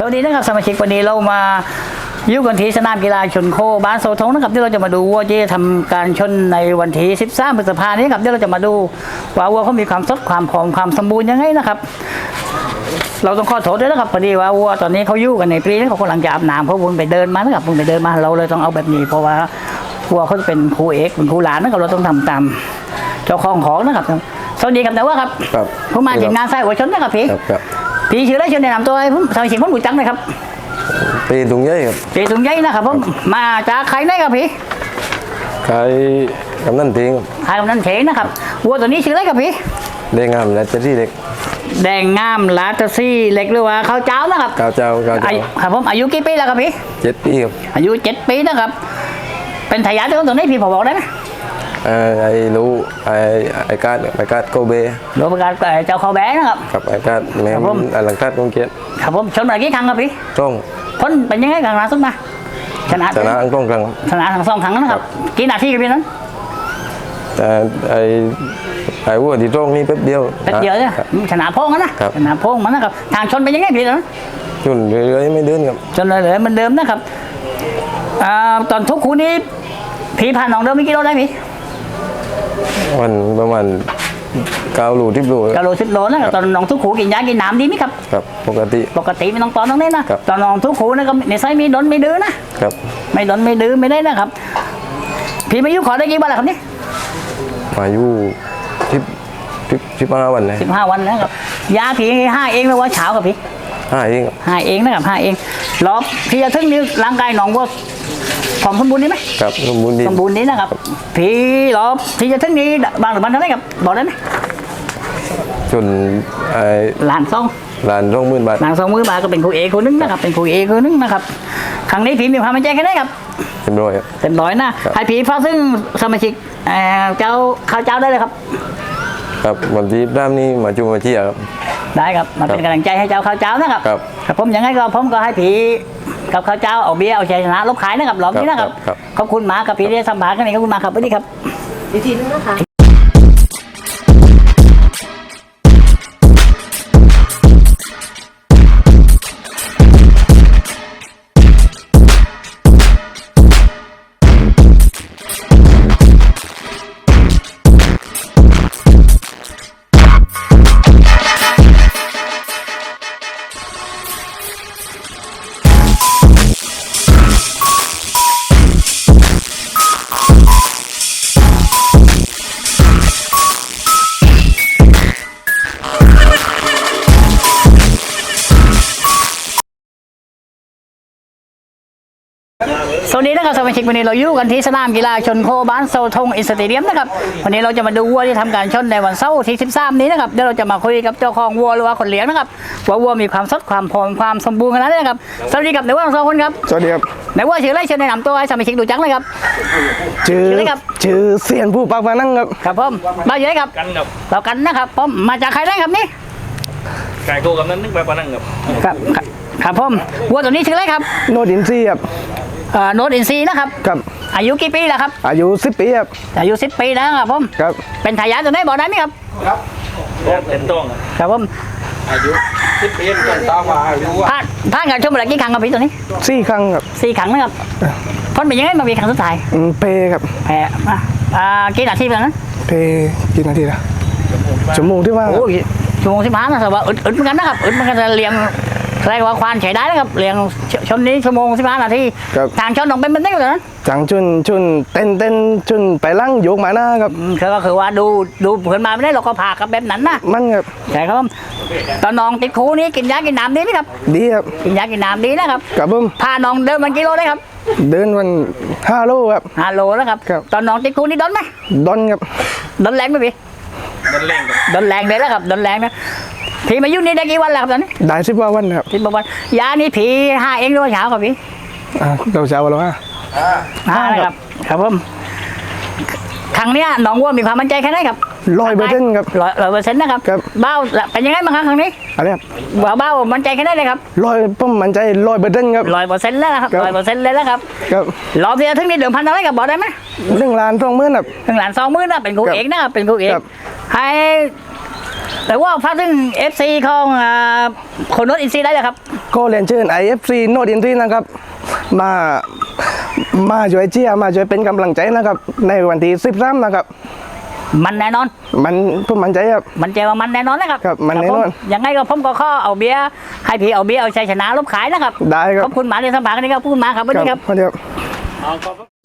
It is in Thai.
วัสดีนะครับสมาชิกวันนี้เรามาอยู่กันที่สนามกีฬาชนโคบ้านโซทงนะครับที่เราจะมาดูวัวที่จะทำการชนในวันที่13 พฤษภาคมนี้ครับที่เราจะมาดูว่าวัวเขามีความสดความผอมความสมบูรณ์ยังไงนะครับเราต้องขอโทษด้วยนะครับพอดีว่าวัวตอนนี้เขาอยู่กันในปีนี้เขากำลังจะอาบน้ำเพราะวนไปเดินมานะครับวนไปเดินมาเราเลยต้องเอาแบบนี้เพราะว่าวัวเขาจะเป็นครูเอกเป็นครูหลานนะครับเราต้องทำตามเจ้าของนะครับสวัสดีครับแต่ว่าครับผมมาจากงานไส้หัวชนนะครับพี่ชื่ออะไรชื่อแนะนำตัวให้ผมสมาชิกผมรู้จักนะครับปีตุงใหญ่ครับปีตุงใหญ่นะครับผมมาจากใครได้ครับพี่ใครกำนันเทงครับใครกำนันเทงนะครับวัวตัวนี้ชื่ออะไรครับพี่แดงงามและเจซี่เล็กแดงงามลาตซี่เล็กหรือว่าข้าวเจ้านะครับข้าวเจ้าครับผมอายุกี่ปีแล้วครับพี่ 7 ปีครับอายุ7 ปีนะครับเป็นทายาทของตัวนี้พี่พอบอกได้ไหมไอ้รู้ไอ้การโกเบโดยประกาศเจ้าเขาแบนะครับกับไอ้การแม่หลังการกงเกียรติครับผมชนมากี่ครั้งครับพี่ต้องพ้นเป็นยังไงครั้งล่าสุดมาชนะอังกฤษครั้งชนะทั้ง2 ครั้งนะครับกี่นาทีกันพี่นั้นแต่ไอ้วัวที่ตรงนี่แป๊บเดียวเนี่ยชนะพงนะชนะพงมันนะครับทางชนเป็นยังไงพี่นั้นชนเรื่อยๆไม่เดินครับชนเรื่อยๆมันเดิมนะครับตอนทุกคู่นี้พี่ผ่านหนองเดิมไม่กี่โลได้พี่วันประมาณ9 โล 10 โล 10 โลนะครับตอนน้องทุกขูกินยากินน้ำดีไหมครับครับปกติไม่ต้องตอนนั้นนะตอนน้องทุกขูนะก็ในไซมีดนไม่ดื้อนะครับไม่ดนไม่ดื้อไม่ได้นะครับพี่มายุขอได้กี่วันแล้วครับนี่มายุ15 วันเลย 15 วันนะครับยาพี่5 เองแล้วว่าเช้ากับพี่ 5 เองนะครับ5 เองรอบพี่จะถึงนี้ร่างกายน้องว่าผมสมบูรณ์ดีไหมครับสมบูรณ์ดีนะครับพี่รอบพี่จะถึงนี้บางหรือบ้านเท่าไหร่ครับบอกได้ไหมจนล้าน 20,000 บาทล้าน 20,000 บาทก็เป็นครูเอคนนึงนะครับเป็นครูเอคนนึงนะครับครั้งนี้พี่มีความมั่นใจแค่ไหนครับเต็มร้อยนะให้พี่ฟ้าซึ่งสมาชิกเจ้าข้าวเจ้าได้เลยครับครับวันที่ด้ามนี้มาจูมาเชียร์ครับได้ครับมาเป็นกำลังใจให้เจ้าข้าวเจ้านะครับครับผมยังไงก็ผมก็ให้พี่กับข้าวเจ้าเอาเบี้ยเอาชัยชนะลบขายนะครับรอบนี้นะครับขอบคุณมากครับพี่ที่สัมภาษณ์กันนี่ขอบคุณมากครับสวัสดีครับอีกทีนึงนะคะสวัสดีนะครับสมาชิกวันนี้เราอยู่กันที่สนามกีฬาชนโคบ้านโซทงอินสเตเดียมนะครับวันนี้เราจะมาดูวัวที่ทำการชนในวันเสาร์ที่13 นี้นะครับเดี๋ยวเราจะมาคุยกับเจ้าของวัวหรือว่าคนเลี้ยงนะครับว่าวัวมีความสดความผอมความสมบูรณ์ขนาดไหนนะครับสวัสดีครับในวัวทั้ง2 คนครับสวัสดีครับในวัวชื่ออะไรเชิญแนะนำตัวให้สมาชิกดูจังเลยครับชื่อเสียนผู้ปักมานั่งครับครับผมบ้านอยู่ไหนครับเรากันนะครับผมมาจากใครได้ครับนี่ไก่โคกับนั้นนึกแบบมานั่งครับผมวัวตัวนี้ชื่ออะไรครับโนดินซีครับโนดอินซีนะครับอายุกี่ปีแล้วครับอายุ10 ปีครับอายุ10 ปีแล้วครับผมเป็นทายาทตัวไหนบอกได้ไหมครับเป็นต้งครับผมอายุ10 ปีต้นตามมาอายุผ่านการชมอะไรกี่ครั้งครับพี่ตัวนี้ 4 ครั้งครับ 4 ครั้งนะครับพ้นเป็นยังไงมามีครั้งสุดท้ายเพครับกี่นาทีแล้วนะเพกี่นาทีละชั่วโมงที่ว่าชั่วโมง15นะแต่ว่าอึดเหมือนกันนะครับอึดเหมือนกันเลี้ยงเรียกว่าควานใช้ได้นะครับเลี้ยงชนนี้ชั่วโมง15 นาทีทางชนน้องเป็นได้เลยนะทางชนเต้นชนไปลั่งโยกมาหน้าครับก็คือว่าดูเพื่อนมาไม่ได้เราก็พากับแบบนั้นนะมันครับใช่ครับตอนน้องติดคูนี้กินยากินน้ำดีไหมครับดีครับกินยากินน้ำดีนะครับครับผมพาน้องเดินวันกิโลได้ครับเดินวัน5 โลครับ 5 โลแล้วครับตอนน้องติดคูนี้ดนไหมดนครับดนแรงไหมพี่ดนแรงเลยแล้วครับดนแรงนะผีมายุ่งนี่ได้กี่วันแล้วครับตอนนี้ได้10 วันครับ 10 วันยานี่ผี5 เองหรือว่าเช้าครับพี่เราเช้าเรา 5นะครับครับผมครั้งนี้น้องวัวมีความมั่นใจแค่ไหนครับ 100%ครับ 100%นะครับเบ้าเป็นยังไงบ้างครั้งนี้อะไรครับเบ้ามั่นใจแค่ไหนเลยครับผมมั่นใจ100%ครับ 100%แล้วครับ100%เลยแล้วครับรอบที่จะถึงนี่เดิมพันอะไรกับบอกได้ไหม 1,20,000ครับ 1,20,000นะเป็นครูเอกนะครับเป็นครูเอกให้ แต่ว่าพักถึง FC ของคนโน้ตอินซีได้เลยครับก็เรียนเชิญ IFC โนดินทรีนะครับมาช่วยเชียร์มาช่วยเป็นกำลังใจนะครับในวันที่13นะครับมันแน่นอนผมมั่นใจครับมันใจว่ามันแน่นอนนะครับครับมันแน่นอนผมยังไงก็ผมก็ขอเอาเบียร์ให้พี่เอาเบียร์เอาชัยชนะลบขายนะครับได้ครับขอบคุณหมาในสัมภาษณ์นี้ครับขอบคุณหมาครับสวัสดีครับสวัสดีครับเอา